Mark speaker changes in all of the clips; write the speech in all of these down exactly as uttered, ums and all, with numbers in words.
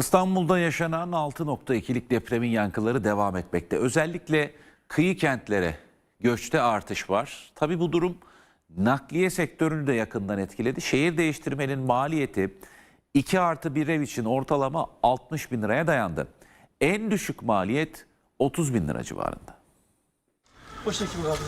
Speaker 1: İstanbul'da yaşanan altı nokta ikilik depremin yankıları devam etmekte. Özellikle kıyı kentlere göçte artış var. Tabii bu durum nakliye sektörünü de yakından etkiledi. Şehir değiştirmenin maliyeti iki artı bir ev için ortalama altmış bin liraya dayandı. En düşük maliyet otuz bin lira civarında.
Speaker 2: O şekilde abi.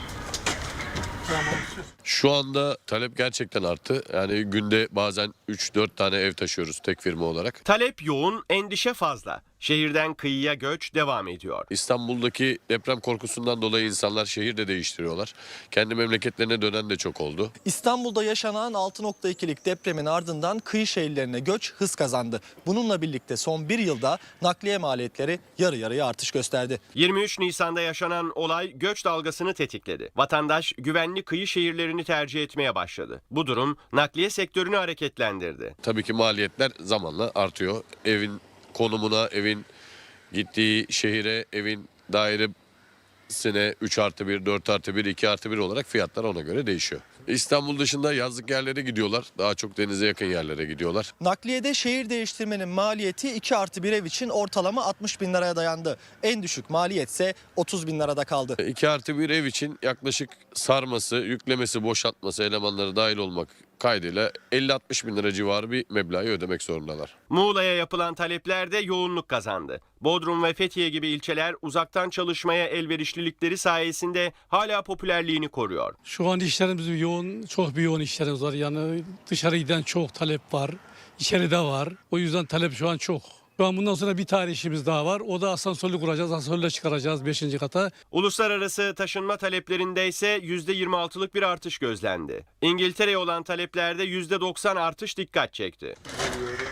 Speaker 3: Şu anda talep gerçekten arttı. Yani günde bazen üç dört tane ev taşıyoruz tek firma olarak.
Speaker 4: Talep yoğun, endişe fazla. Şehirden kıyıya göç devam ediyor.
Speaker 3: İstanbul'daki deprem korkusundan dolayı insanlar şehir de değiştiriyorlar. Kendi memleketlerine dönen de çok oldu.
Speaker 5: İstanbul'da yaşanan altı nokta ikilik depremin ardından kıyı şehirlerine göç hız kazandı. Bununla birlikte son bir yılda nakliye maliyetleri yarı yarıya artış gösterdi.
Speaker 4: yirmi üç Nisan'da yaşanan olay göç dalgasını tetikledi. Vatandaş güvenli kıyı şehirlerini tercih etmeye başladı. Bu durum nakliye sektörünü hareketlendirdi.
Speaker 3: Tabii ki maliyetler zamanla artıyor. Evin konumuna, evin gittiği şehire, evin dairesine üç artı bir, dört artı bir, iki artı bir olarak fiyatlar ona göre değişiyor. İstanbul dışında yazlık yerlere gidiyorlar. Daha çok denize yakın yerlere gidiyorlar.
Speaker 5: Nakliyede şehir değiştirmenin maliyeti iki artı bir ev için ortalama altmış bin liraya dayandı. En düşük maliyetse otuz bin lirada kaldı.
Speaker 3: iki artı bir ev için yaklaşık sarması, yüklemesi, boşaltması, elemanları dahil olmak kaydıyla elli altmış bin lira civarı bir meblağı ödemek zorundalar.
Speaker 4: Muğla'ya yapılan taleplerde yoğunluk kazandı. Bodrum ve Fethiye gibi ilçeler uzaktan çalışmaya elverişlilikleri sayesinde hala popülerliğini koruyor.
Speaker 2: Şu an işlerimiz yoğun, çok bir yoğun işlerimiz var. Yani dışarı giden çok talep var, içeride var. O yüzden talep şu an çok. Şu an bundan sonra bir tane işimiz daha var. O da asansörlü kuracağız, asansörle çıkaracağız beşinci kata.
Speaker 4: Uluslararası taşınma taleplerinde ise yüzde yirmi altılık bir artış gözlendi. İngiltere'ye olan taleplerde yüzde doksan artış dikkat çekti.